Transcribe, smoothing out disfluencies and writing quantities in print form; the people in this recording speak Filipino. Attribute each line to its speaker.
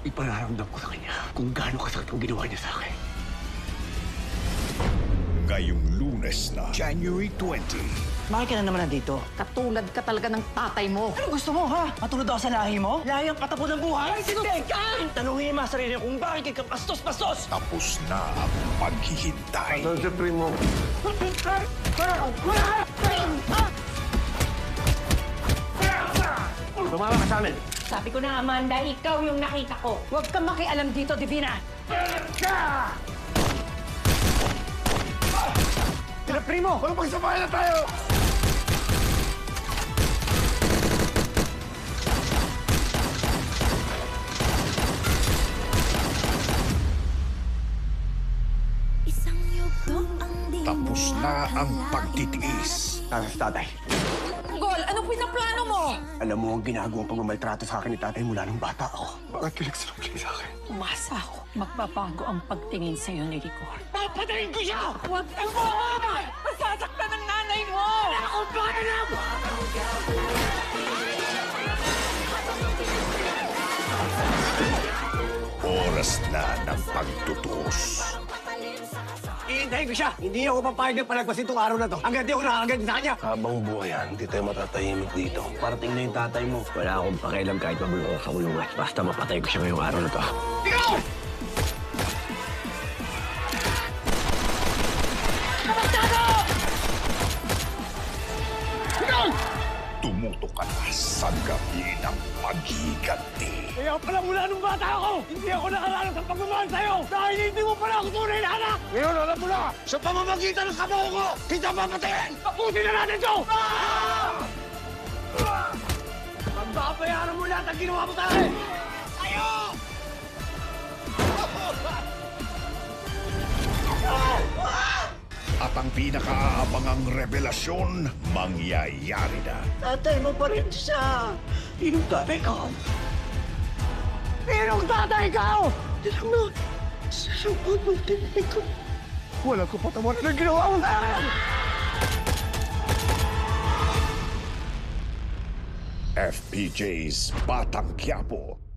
Speaker 1: Ipararamdam ko sa kanya kung gaano kasakit ang ginawa niya sa akin.
Speaker 2: Ngayong Lunes na, January 20.
Speaker 3: Bakit ka na naman nandito?
Speaker 4: Katulad ka talaga ng tatay mo.
Speaker 3: Ano gusto mo, ha? Matulad ako sa lahi mo? Lahi ang patapon ng buhay?
Speaker 4: Ay, sinunod ka!
Speaker 3: Tanungin mo sarili kung bakit ka pastos-pastos!
Speaker 2: Tapos na ang paghihintay.
Speaker 1: Sir Primo. Tumama ka sa amin.
Speaker 4: Sabi ko na, Amanda, ikaw yung nakita ko. Huwag kang makialam dito, Divina.
Speaker 1: Sir Primo! Walang pagsabayan na tayo!
Speaker 2: Tapos na ang pagtitiis.
Speaker 1: Tara sa tatay.
Speaker 4: Gol, anong pinaplano mo?
Speaker 1: Alam mo ang ginagawang pagmamaltrato sa akin ni tatay mula nung bata ako. Bakit ka nagsinungaling sa akin?
Speaker 4: Umasa ako. Magbabago ang pagtingin sa'yo ni Rigor.
Speaker 1: Papatayin ko siya!
Speaker 4: Huwag kang mo! Masasaktan ng nanay mo!
Speaker 1: Ako ba na mo?
Speaker 2: Oras na ng pagtutuos.
Speaker 1: Iintayin ko siya! Hindi ako papayag na palagpasin itong araw na to. Hanggang di ako nakakaganti sa kanya!
Speaker 5: Habang buhay yan, hindi tayo matatahimik dito. Parating na yung tatay mo. Wala akong pakialam kahit mabulong ako sa kulungan. Basta mapatay ko siya ngayong araw na to.
Speaker 1: Ikaw!
Speaker 2: Tumuto ka na sa gabi ng paghiganti.
Speaker 1: Kaya pala mula nung bata ako, hindi ako nakaranas ng pagmamahal sa'yo dahil hindi mo pala ako tunay na anak! Ngayon, alam mo na, sa pamamagitan ng kabaho ko, kita papatayin! Tapusin na natin ito! Pagbabayaran mo lahat ang ginawa mo sa akin! Ayo!
Speaker 2: At ang pinakaabangang revelasyon, mangyayari na.
Speaker 1: Tatay mo pa rin siya! Sinong tatay ko? Sinong tatay ko? Tilang na, sa pagmagtinay ko. Walang kapatawaran na ginawa mo sa akin!
Speaker 2: FPJ's Batang Quiapo.